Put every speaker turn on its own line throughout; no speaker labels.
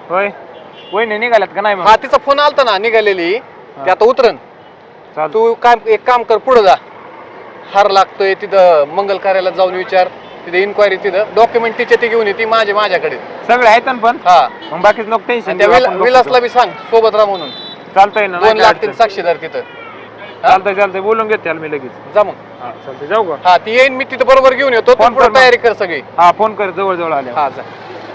होय वहिनी निघाल्यात का नाही मग?
हा तिचा फोन आलता ना निघालेली ते आता उतरण. तू एक काम कर पुढे जा. हार लागतोय तिथं मंगल कार्यालयात जाऊन विचार. तिथे इन्क्वायरी तिथं डॉक्युमेंट तिचे ते घेऊन ये ती माझ्याकडे
सगळे आहेत ना पण.
हा
मग बाकीच नको टेन्शन
त्या
घेऊ.
विलासला बी सांग सोबत राहा म्हणून.
चालतंय ना.
2 लागतील साक्षीदार तिथं.
चालतंय बोलून घेते मी लगेच.
जा मग.
हा चालतंय जाऊ का?
हा ती येईन मी तिथं बरोबर घेऊन येतो. तू पुढे तयारी कर सगळी.
हा फोन कर जवळ आले.
हा जा.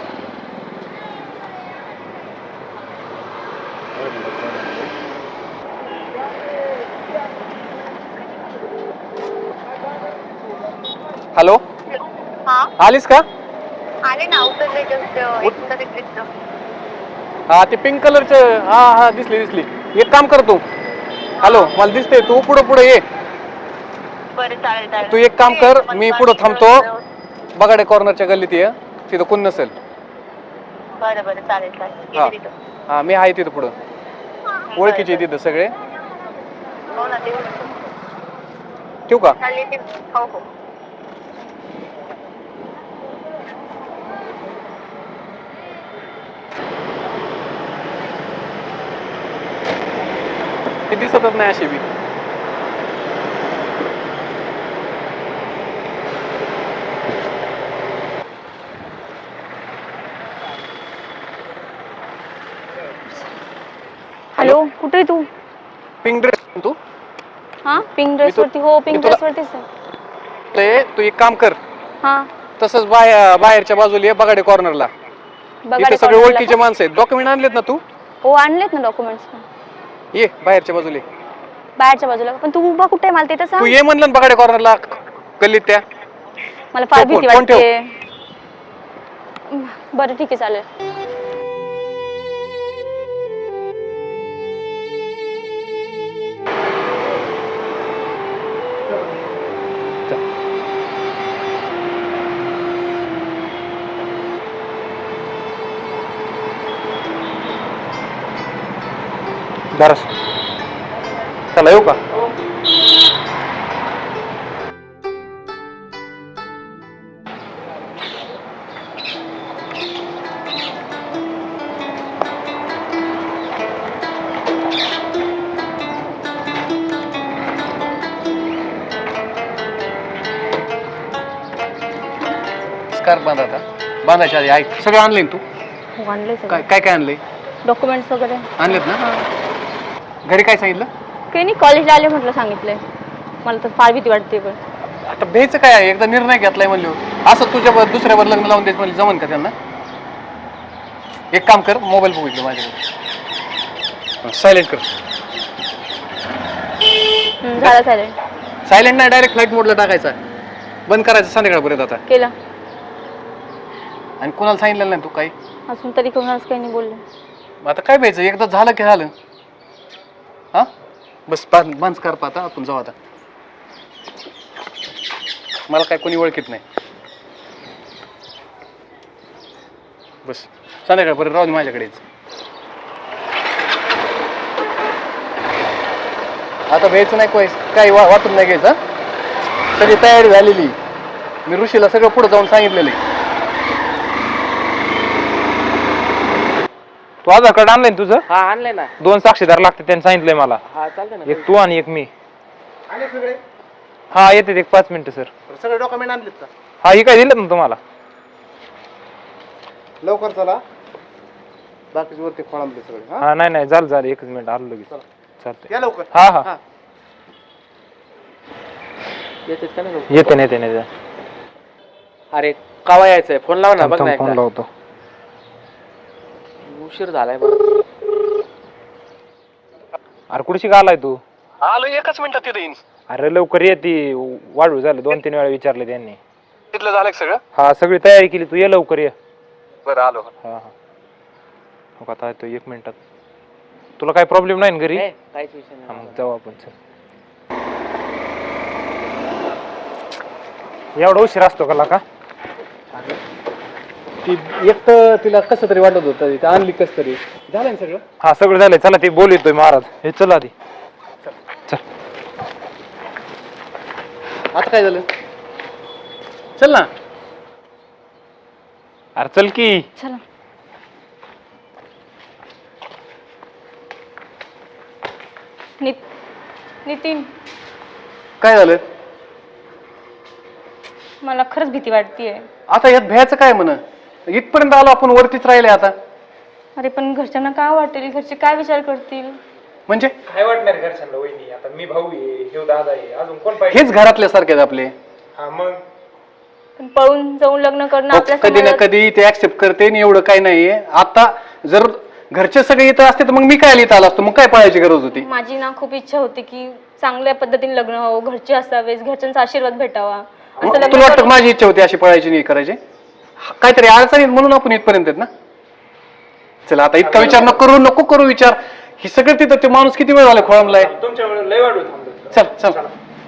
हॅलो आलीस का?
आले ना उतरले जस्ट
हा ते पिंक कलरचं हा दिसली. एक काम कर तू. हॅलो मला दिसते तू पुढे ये.
बरं चालेल.
तू एक काम कर मी पुढे थांबतो. बगाडे कॉर्नरच्या गल्लीत ये तिथं कोण नसेल.
बरं चालेल.
हा मी आहे तिथं पुढं. ओळखीचे तिथं सगळे.
हो ना ते
ठेवू का?
हो.
ते दिसतच नाही अशी बी.
हॅलो कुठे आहे तू?
पिंक ड्रेस तू?
हा पिंक ड्रेस वरती. हो पिंक ड्रेस वरतीच आहे.
तू एक काम कर.
हा
तसंच बाहेरच्या बाजूला ये बगाडे कॉर्नरला. इथे सगळे ओळखीचे माणसं आहेत. डॉक्युमेंट आणलेत ना तू?
हो आणलेत ना डॉक्युमेंट्स पण.
ये बाहेरच्या बाजूला.
बाहेरच्या बाजूला. पण तू उभा कुठे आहे मला तिथं
तू
सांग.
ये म्हणलं ना बगाडे कॉर्नरला गल्लीत त्या.
मला फार भीती
फोन ठेव.
वाटते. बरं ठीक आहे चालेल.
चला येऊ का?
स्कार्फ बांधा आता. बांधायच्या आधी ऐक सगळं आणलंय तू?
हो आणले
काय आणलंय?
डॉक्युमेंट्स वगैरे
आणलेत ना? घरी काय सांगितलं?
काही नाही कॉलेजला आले म्हटलं सांगितलंय. मला तर फार भीती वाटते पण.
आता भ्यायचं काय आहे? एकदा निर्णय घेतलाय म्हणलं असं तुझ्यावर दुसऱ्यावर लग्न लावून द्यायचं म्हणजे जमन का त्यांना? एक काम कर मोबाईल बघितलं माझ्याकडे. सायलेंट कर.
झालं सायलेंट.
सायलेंट नाही डायरेक्ट फ्लाईट मोडला टाकायचा. बंद करायचं संध्याकाळपर्यंत आता.
केलं.
आणि कोणाला सांगितलं नाही तू काही?
अजून तरी कोणालाच काही नाही बोलले.
आता काय भ्यायचं? एकदा झालं की झालं. हा बस बंद कर आता आपण जाऊ आता. मला काय कोणी ओळखीत नाही. बस संध्याकाळपर्यंत राहू दे माझ्याकडेच. आता भ्यायचं नाही काही वाटून नाही घ्यायचं. सगळी तयारी झालेली. मी ऋषीला सगळं पुढे जाऊन सांगितलेलं आहे.
तू आधार कार्ड आणलंय तुझं?
हा आणलंय ना.
2 साक्षीदार लागते त्यांनी सांगितलंय मला.
हा चालतंय ना.
एक तू आणि एक मी.
आले सगळे?
हा येते एक 5 मिनिटं सर.
सगळे डॉक्युमेंट आणलेत का?
हा ही काय दिलं ना तुम्हाला?
लवकर चला. बाकीचे वरती खोळंबले सगळे.
हा नाही झालं 1 मिनिट आलो लगेच. चालतंय
या लवकर.
हा येते.
अरे कावा यायचंय? फोन लाव ना. बघ ना
फोन लावतो.
उशीर झालाय बरं.
अरे कुठशी आलाय तू?
आलो 1 मिनिटात तिथे येईन.
अरे लवकर ये. ती वाढू झालं 2-3 वेळा विचारलं त्यांनी.
तिथलं झालं सगळं?
हा सगळी तयारी केली. तू ये लवकर ये.
बरं आलो.
हा हो आता येतो 1 मिनिटात. तुला काही प्रॉब्लेम नाही ना घरी?
काहीच विषय नाही.
मग जाऊ आपण. चल एवढा उशीर असतो का?
ती एक तर तिला कसं तरी वाटत होतं. ती आणली कस तरी. झालं ना सगळं?
हा सगळं झालंय. चला ते बोलतोय महाराज. हे चल आधी. चल
आता काय झालं? चल ना.
अरे चल की.
चला. नितीन,
काय झालं?
मला खरंच भीती वाटतेय.
आता यात भ्यायचं काय म्हण? इथपर्यंत आलो आपण, वरतीच राहिले आता.
अरे पण घरच्यांना काय वाटेल, घरचे काय विचार करतील?
म्हणजे
काय वाटणार घरच्यांना वहिनी? आता मी भाऊ आहे, ह्यो दादा आहे, अजून कोण पाहिजे?
हेच घरातल्या सारखे आपले.
हा मग
पण पळून जाऊन लग्न करणं आपल्या
कधी ना
समाजात-
कधी ते ऍक्सेप्ट करते आणि एवढं काय नाहीये. आता जर घरचे सगळे इथं असते तर मग मी काय इथं आलो असतो, मग काय पळायची गरज होती?
माझी ना खूप इच्छा होती की चांगल्या पद्धतीने लग्न व्हावं, घरचे असावेच, घरच्यांचा आशीर्वाद भेटावा. असं
मग
लग्न
तुला वाटतं
करून-
माझी इच्छा होती अशी पळायची नाही करायची? काहीतरी अडचणीत म्हणून आपण इथपर्यंत आहेत ना. चला आता इतका विचार नको करू विचार. ही सगळं तिथं ते माणूस किती वेळ झाला खोळंबलाय.
तुमच्या वेळेला लय वाढू थांबलो.
चल.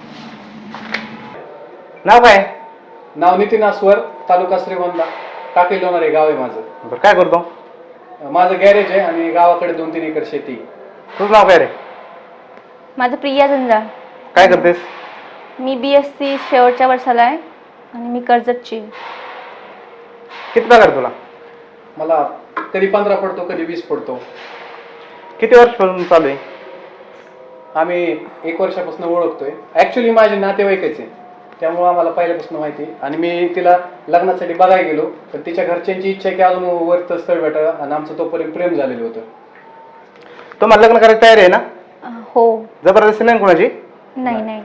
नाव काय?
नाव नितीन आस्वर, तालुका श्रीगोंदा, टाकळी लोणारे गाव आहे माझं.
बरं, काय करतो?
माझं गॅरेज आहे आणि गावाकडे 2-3 एकर शेती.
तुझं नाव काय रे?
माझं प्रिया जंजाळ.
काय करतेस?
मी BSc शेवटच्या वर्षाला आहे आणि मी कर्जतची.
किती पगार तुला?
मला कधी 15 पडतो, कधी 20 पडतो.
किती वर्षापासून चालू आहे?
आम्ही 1 वर्षापासून ओळखतोय. ऍक्च्युली माझे नातेवाईकच आहे, त्यामुळे आम्हाला पहिल्यापासून माहिती आहे. आणि मी तिला लग्नासाठी बघायला गेलो, तर तिच्या घरच्यांची इच्छा आहे की अजून वरतं स्थळ भेटावं आणि आमचं तोपर्यंत प्रेम झालेलं होतं.
तुम्हाला लग्न करायची तयारी आहे ना?
हो.
जबरदस्ती नाही कोणाची?
नाही.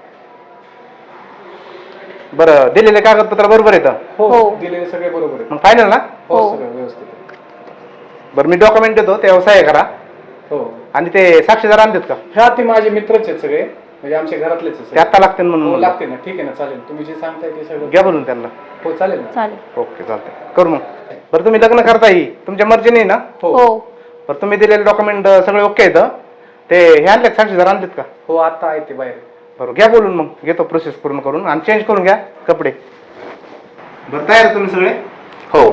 बरं, दिलेले कागदपत्र बरोबर येतं?
हो.
दिलेले सगळे बरोबर आहे.
मग फायनल ना?
हो,
हो.
सगळं व्यवस्थित आहे.
बरं, मी डॉक्युमेंट देतो, ते व्यवसाय करा.
हो.
आणि ते साक्षीदार आणतात का?
ह्या ते माझे मित्रच आहेत सगळे, म्हणजे आमच्या घरातलेच आहेत
ते
सगळे.
आत्ता लागतील म्हणून
हो,
म्हणलं.
लागते ना. ठीक आहे ना, चालेल. तुम्ही जे सांगताय ते सगळं
घ्या बोलून त्यांना.
हो चालेल ना.
चालेल.
ओके, चालतंय, करू मग. बरं, तुम्ही लग्न करताही तुमच्या मर्जीने ना?
हो.
बरं, तुम्ही दिलेले डॉक्युमेंट सगळे ओके आहेत? ते हे आणले का, साक्षीदार आणतात का?
हो, आता आहे ते बाहेर.
बरं, घ्या बोलून, मग घेतो प्रोसेस पूर्ण करून आणि चेंज करून घ्या कपडे. बरं, तयार आहे तुम्ही सगळे?
हो.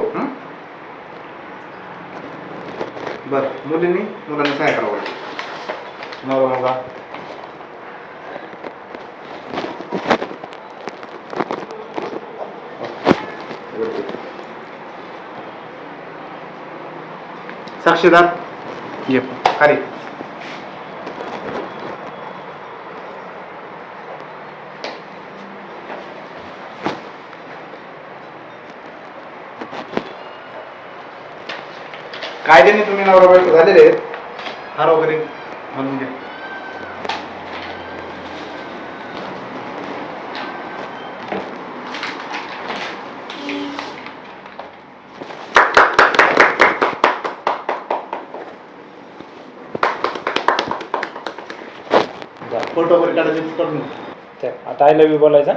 बरं, मुलांनी काय करावं? नवरा मुलगा. साक्षीदार
ये.
खाली. कायद्याने तुम्ही नवरा बायको झालेले आहेत. हार वगैरे घालून घ्या. फोटो वगैरे काढायचे करून घ्या.
आता आय लव्ह यू बोलायचा.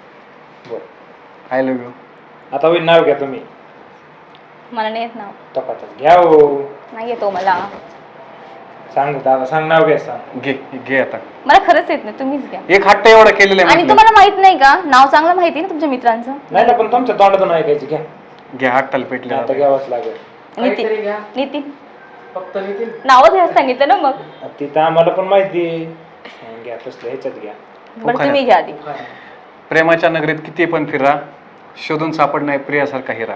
I love you.
आता होईल नाव घ्या तुम्ही.
मला नाही येत नाव.
तपासच घ्या हो.
नाही येतो मला.
सांग दादा, सांग नाव घ्या. सांग.
घे आता.
मला खरंच येत नाही, तुम्हीच घ्या.
एक हट्ट एवढा केलेला आहे
आणि
म्हटलं.
तुम्हाला माहित नाही का, नाव चांगलं माहिती आहे ना तुमच्या मित्रांचं?
नाही ना, पण तुमच्या तोंडातून ऐकायची. घ्या
घे, हट्टाला पेटले
आता घ्यावंच लागेल.
नितीन
फक्त नितीन.
नावच घ्या सांगितलं ना मग.
तिथं आम्हाला पण माहिती आहे. घ्या तसलं ह्याच्यात घ्या.
बरं, तुम्ही घ्या आधी.
प्रेमाच्या नगरीत किती पण फिरा, शोधून सापडणार प्रियासारखा हिरा.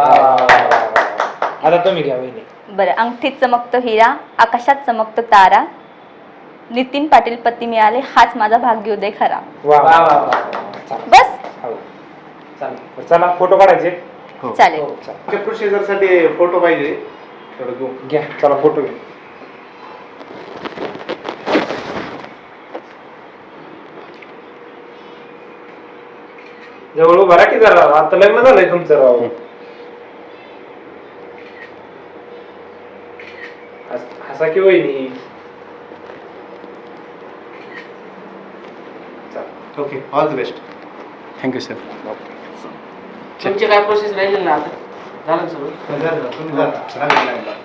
आता तुम्ही घ्या वहिनी.
बरं, अंगठीत चमकतो हिरा, आकाशात चमकतो तारा, नितीन पाटील पती मिळाले, हाच माझा भाग्योदय खरा.
वा वा वा.
बस
हो चालेल. चला फोटो काढायचे.
चालेल.
हो, चला.
प्रोसिजरसाठी फोटो पाहिजे.
घ्या, चला फोटो घ्या. जवळ उभा राहा की जरा. आता लग्न झालंय तुमचं राव. हसा की वहिनी.
Okay, all the best.
Thank you sir.
तुमची काय प्रोसेस राहिली ना आता? झालं सगळं?
तुम्ही जा.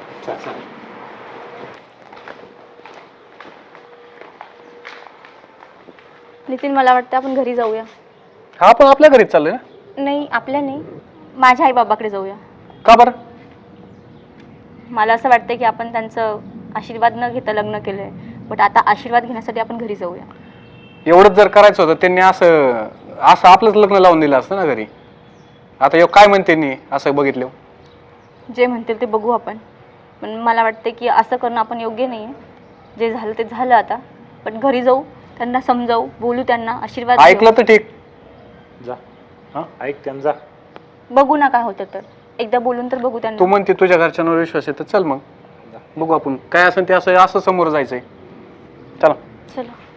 नितीन, मला वाटतं आपण घरी जाऊया.
हा, पण आपल्या घरीच चाललोय ना.
नाही, आपल्या नाही, माझ्या आई बाबाकडे जाऊया.
का बरं?
मला असं वाटतं की आपण त्यांचं आशीर्वाद न घेता लग्न केलंय, बट आता आशीर्वाद घेण्यासाठी आपण घरी जाऊया.
एवढंच जर करायचं होतं त्यांनी असं आपलंच लग्न लावून दिलं असतं ना घरी. आता काय म्हणते नी असं बघितलं?
जे म्हणतील ते बघू आपण, पण मला वाटतं की असं करणं आपण योग्य नाही आहे. जे झालं ते झालं आता, पण घरी जाऊ, त्यांना समजावू, बोलू, त्यांना आशीर्वाद देऊ.
ऐकलं तर ठीक.
जा हां ऐक त्यांना जा.
बघू ना काय होतं तर. एकदा बोलून तर बघू
तू
त्यांना.
म्हणते तुझ्या घरच्यांवर विश्वास आहे तर चल मग बघू आपण काय असेल ते असं समोर जायचंय. चला.
चला.